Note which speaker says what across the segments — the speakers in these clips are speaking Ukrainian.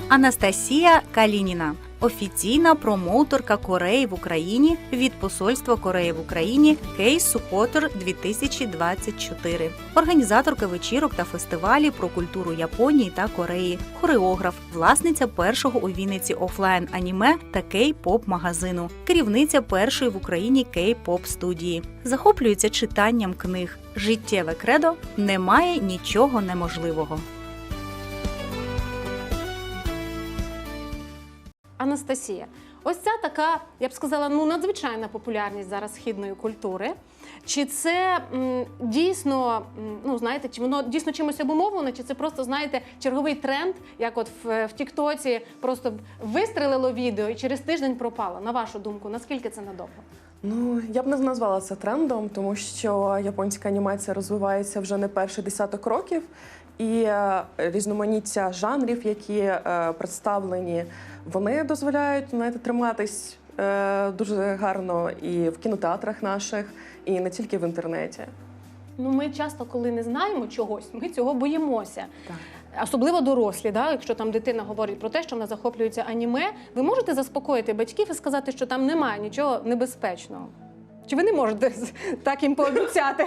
Speaker 1: Анастасія Калініна – офіційна промоутерка Кореї в Україні від Посольства Кореї в Україні Case Supporter 2024, організаторка вечірок та фестивалів про культуру Японії та Кореї, хореограф, власниця першого у Вінниці офлайн-аніме та кей-поп-магазину, керівниця першої в Україні кей-поп-студії. Захоплюється читанням книг. Життєве кредо – немає нічого неможливого.
Speaker 2: Анастасія, ось ця така, я б сказала, надзвичайна популярність зараз східної культури. Чи це дійсно, знаєте, чи воно дійсно чимось обумовлено, чи це просто, знаєте, черговий тренд, як от в Тіктоці просто вистрелило відео і через тиждень пропало? На вашу думку, наскільки це надовго?
Speaker 3: Я б не назвала це трендом, тому що японська анімація розвивається вже не перший десяток років, і різноманіття жанрів, які представлені, вони дозволяють, триматись дуже гарно і в кінотеатрах наших, і не тільки в інтернеті.
Speaker 2: Ми часто, коли не знаємо чогось, ми цього боїмося.
Speaker 3: Так.
Speaker 2: Особливо дорослі, якщо там дитина говорить про те, що вона захоплюється аніме, ви можете заспокоїти батьків і сказати, що там немає нічого небезпечного? Чи ви не можете так їм пообіцяти?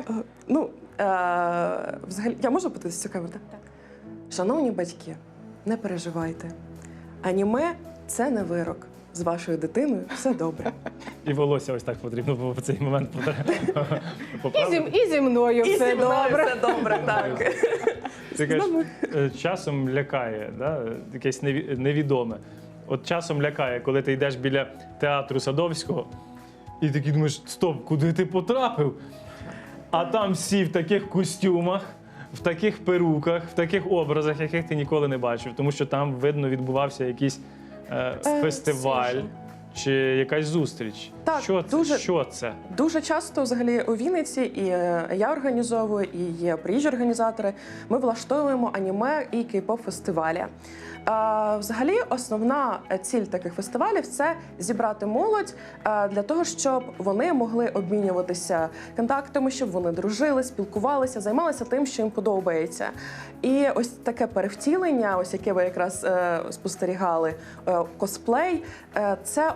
Speaker 3: Взагалі, я можу подивитися цю камеру?
Speaker 2: Так.
Speaker 3: Шановні батьки, не переживайте. Аніме – це не вирок. З вашою дитиною все добре.
Speaker 4: І волосся ось так потрібно було в цей момент поправити.
Speaker 2: І зі мною все добре.
Speaker 3: Все добре, так.
Speaker 4: Ти кажеш, часом лякає, якесь невідоме. От часом лякає, коли ти йдеш біля театру Садовського, і такий думаєш, стоп, куди ти потрапив? А там всі в таких костюмах, в таких перуках, в таких образах, яких ти ніколи не бачив. Тому що там, видно, відбувався якийсь фестиваль чи якась зустріч.
Speaker 3: Так,
Speaker 4: Що це?
Speaker 3: Дуже часто взагалі у Вінниці, і я організовую, і є приїжджі організатори, ми влаштовуємо аніме і кей-поп-фестивалі. Взагалі, основна ціль таких фестивалів – це зібрати молодь для того, щоб вони могли обмінюватися контактами, щоб вони дружили, спілкувалися, займалися тим, що їм подобається. І ось таке перевтілення, ось яке ви якраз спостерігали, косплей – це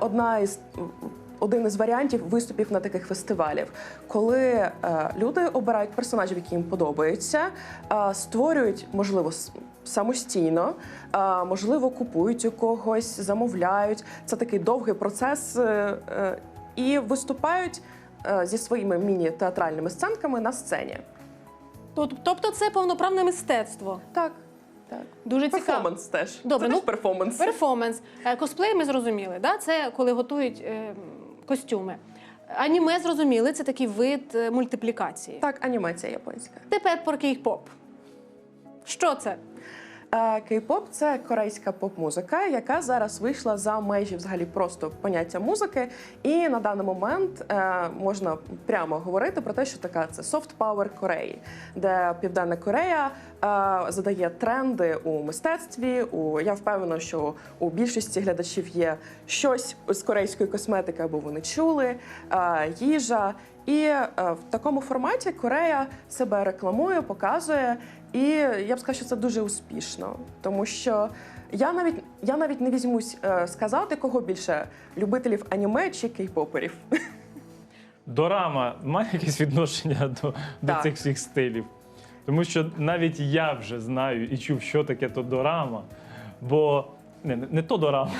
Speaker 3: один із варіантів виступів на таких фестивалів, коли люди обирають персонажів, які їм подобаються, створюють, можливо, самостійно, можливо, купують у когось, замовляють. Це такий довгий процес і виступають зі своїми міні-театральними сценками на сцені.
Speaker 2: Тобто це повноправне мистецтво?
Speaker 3: Так.
Speaker 2: Дуже цікаво.
Speaker 3: Перформанс теж.
Speaker 2: Добре,
Speaker 3: це теж перформанс.
Speaker 2: Перформанс. Косплей ми зрозуміли, це коли готують костюми. Аніме зрозуміли, це такий вид мультиплікації.
Speaker 3: Так, анімація японська.
Speaker 2: Тепер про кей-поп. Що це?
Speaker 3: Кей-поп – це корейська поп-музика, яка зараз вийшла за межі взагалі просто поняття музики. І на даний момент можна прямо говорити про те, що така це софт-пауер Кореї, де Південна Корея задає тренди у мистецтві. Я впевнена, що у більшості глядачів є щось з корейської косметики, або вони чули, їжа. І в такому форматі Корея себе рекламує, показує. І я б сказала, що це дуже успішно, тому що я навіть не візьмусь сказати, кого більше – любителів аніме чи кей-поперів.
Speaker 4: Дорама має якесь відношення до цих всіх стилів? Тому що навіть я вже знаю і чув, що таке то дорама, бо не то дорама,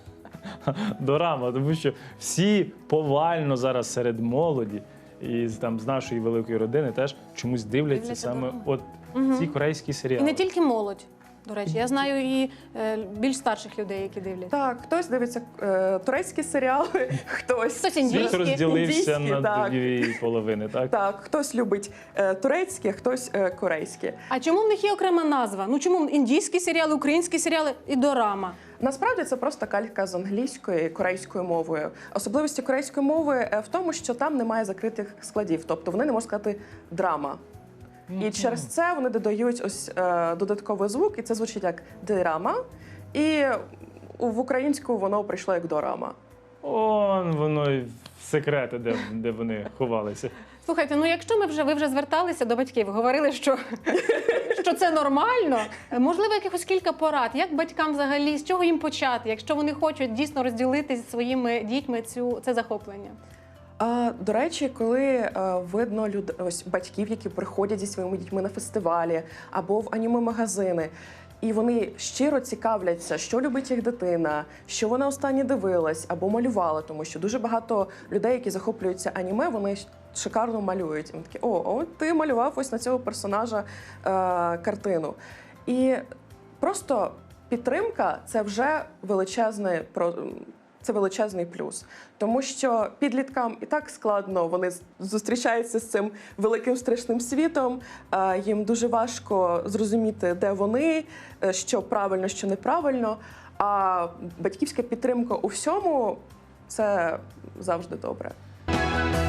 Speaker 4: дорама, тому що всі повально зараз серед молоді і з нашої великої родини теж чомусь дивляться саме ці корейські серіали.
Speaker 2: І не тільки молодь, до речі. Я знаю і більш старших людей, які дивляться.
Speaker 3: Так, хтось дивиться турецькі серіали, хтось
Speaker 2: індійські.
Speaker 4: Світ розділився
Speaker 3: індійські,
Speaker 4: на дві половини, так?
Speaker 3: Так, хтось любить турецькі, а хтось корейські.
Speaker 2: А чому в них є окрема назва? Чому індійські серіали, українські серіали і дорама?
Speaker 3: Насправді це просто калька з англійської, корейською мовою. Особливості корейської мови в тому, що там немає закритих складів, тобто вони не можуть сказати «драма». І через це вони додають ось додатковий звук, і це звучить як «дирама», і в українську воно прийшло як «дорама».
Speaker 4: Воно секрети, де вони ховалися.
Speaker 2: Слухайте, ну якщо ви вже зверталися до батьків, говорили, що це нормально, можливо, якихось кілька порад, як батькам взагалі, з чого їм почати, якщо вони хочуть дійсно розділити зі своїми дітьми це захоплення?
Speaker 3: До речі, коли видно ось батьків, які приходять зі своїми дітьми на фестивалі або в аніме-магазини, і вони щиро цікавляться, що любить їх дитина, що вона останнє дивилась або малювала, тому що дуже багато людей, які захоплюються аніме, вони шикарно малюють. І вони такі: о, ти малював ось на цього персонажа картину. І просто підтримка – це вже величезний плюс. Тому що підліткам і так складно, вони зустрічаються з цим великим страшним світом, їм дуже важко зрозуміти, де вони, що правильно, що неправильно. А батьківська підтримка у всьому – це завжди добре.